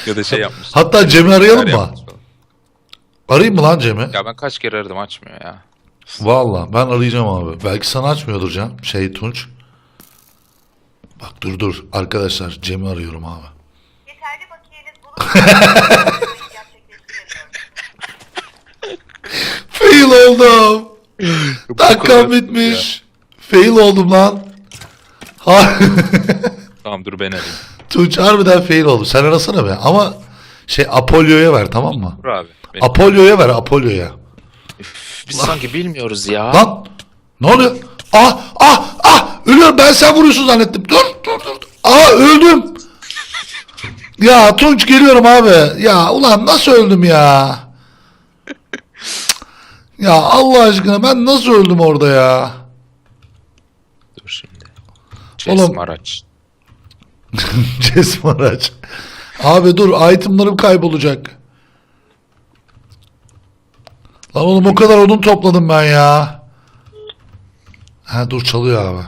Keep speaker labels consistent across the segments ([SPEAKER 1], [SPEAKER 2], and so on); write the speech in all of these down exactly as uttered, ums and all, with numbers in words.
[SPEAKER 1] Ya da şey yapmış.
[SPEAKER 2] Hatta Cem'i arayalım
[SPEAKER 1] Şeyler
[SPEAKER 2] mı?
[SPEAKER 1] yapmış falan.
[SPEAKER 2] Arayayım mı lan Cem'i?
[SPEAKER 1] Ya ben kaç kere aradım açmıyor ya.
[SPEAKER 2] Valla ben arayacağım abi. Belki sana açmıyordur Cem. Şey Tunç. Bak dur dur. Arkadaşlar Cem'i arıyorum abi.
[SPEAKER 3] Yeterli bakiyeniz bulunmadan gerçekleştiremiyorum.
[SPEAKER 2] Fail oldum.
[SPEAKER 1] Bu
[SPEAKER 2] Dakikam
[SPEAKER 1] kadar
[SPEAKER 2] bitmiş. Fail oldum lan. Ha.
[SPEAKER 1] Tamam dur ben arayayım.
[SPEAKER 2] Tunç harbiden fail oldu. Sen arasana be. Ama şey Apollo'ya ver, tamam mı?
[SPEAKER 1] Dur abi. Benim...
[SPEAKER 2] Apollo'ya ver, Apollo'ya.
[SPEAKER 1] Üf, Biz sanki bilmiyoruz ya.
[SPEAKER 2] Lan ne oluyor? Ah ah ah, ölüyorum, ben sen vuruyorsun zannettim. Dur dur dur. Aa, öldüm. Ya Tunç geliyorum abi. Ya ulan nasıl öldüm ya? Ya Allah aşkına ben nasıl öldüm orada ya?
[SPEAKER 1] Dur şimdi. Chase
[SPEAKER 2] Oğlum.
[SPEAKER 1] araç.
[SPEAKER 2] Cesm araç. Abi dur, itemlarım kaybolacak. Lan oğlum o kadar odun topladım ben ya. Ha dur, çalıyor abi.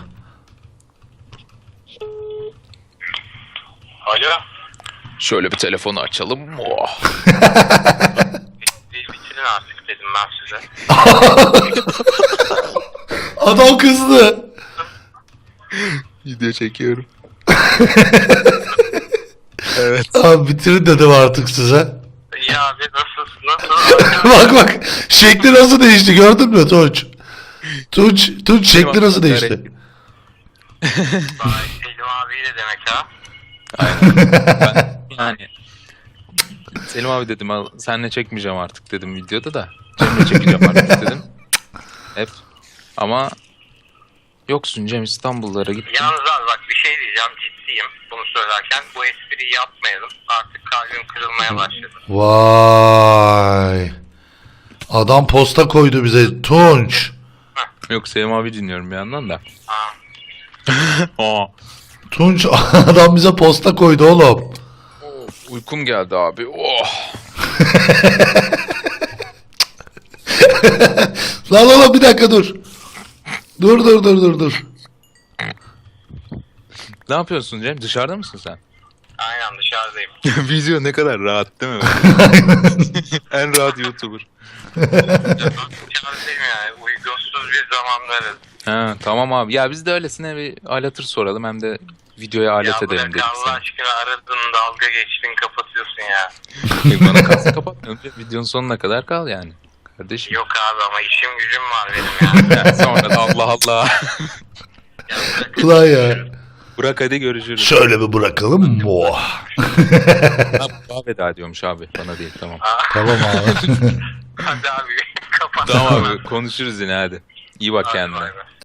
[SPEAKER 4] Alo.
[SPEAKER 1] Şöyle bir telefonu açalım. Oh.
[SPEAKER 4] Bir bitirin artık dedim ben size.
[SPEAKER 2] Adam kızdı.
[SPEAKER 1] Video çekiyorum. Evet.
[SPEAKER 2] Abi bitirin dedim artık size.
[SPEAKER 4] İyi abi nasılsın? Nasıl?
[SPEAKER 2] Bak bak, şekli nasıl değişti gördün mü Tunç? Tunç, Tunç şekli nasıl değişti?
[SPEAKER 4] Vay Selim abi de demek ha.
[SPEAKER 1] Ben, yani Selim abi dedim al, senle çekmeyeceğim artık dedim videoda da. Cem'le çekeceğim artık dedim. Hep. Ama yoksun Cem, İstanbullara gittin.
[SPEAKER 4] Yalnız abi bak bir şey diyeceğim, ciddiyim bunu söylerken. Bu espriyi yapmayalım. Artık kalbim kırılmaya başladı.
[SPEAKER 2] Vay. Adam posta koydu bize Tunç.
[SPEAKER 1] Yok Selim abi dinliyorum bir yandan da.
[SPEAKER 4] Ha.
[SPEAKER 1] Aa.
[SPEAKER 2] Tunç adam bize posta koydu oğlum.
[SPEAKER 1] Uykum geldi abi. Oh.
[SPEAKER 2] Lan oğlum bir dakika dur. Dur dur dur dur dur.
[SPEAKER 1] Ne yapıyorsun Cem? Dışarıda mısın sen?
[SPEAKER 4] Aynen dışarıdayım.
[SPEAKER 1] Video ne kadar rahat değil mi? En rahat YouTuber.
[SPEAKER 4] Dışarıdayım yani. Uygunsuz bir zamandayız.
[SPEAKER 1] Ha, tamam abi. Ya biz de öylesine bir aletır soralım hem de videoya alet
[SPEAKER 4] Ya
[SPEAKER 1] edelim
[SPEAKER 4] bırak
[SPEAKER 1] dedik
[SPEAKER 4] Allah
[SPEAKER 1] sana.
[SPEAKER 4] aşkına, aradın dalga geçtin kapatıyorsun ya.
[SPEAKER 1] Yok, bana kalsın kapatmıyorum. Videonun sonuna kadar kal yani. Kardeşim.
[SPEAKER 4] Yok abi ama işim gücüm var benim ya.
[SPEAKER 1] Yani sonra da Allah Allah.
[SPEAKER 4] Ya bırak-
[SPEAKER 2] Ulan ya.
[SPEAKER 1] Bırak hadi görüşürüz.
[SPEAKER 2] Şöyle bir bırakalım mı?
[SPEAKER 1] Ha, veda ediyormuş abi. Bana değil, tamam.
[SPEAKER 2] Tamam abi.
[SPEAKER 4] Hadi abi kapat.
[SPEAKER 1] Tamam abi konuşuruz yine hadi. İyi bak
[SPEAKER 4] Hadi
[SPEAKER 1] kendine.
[SPEAKER 4] bay bay.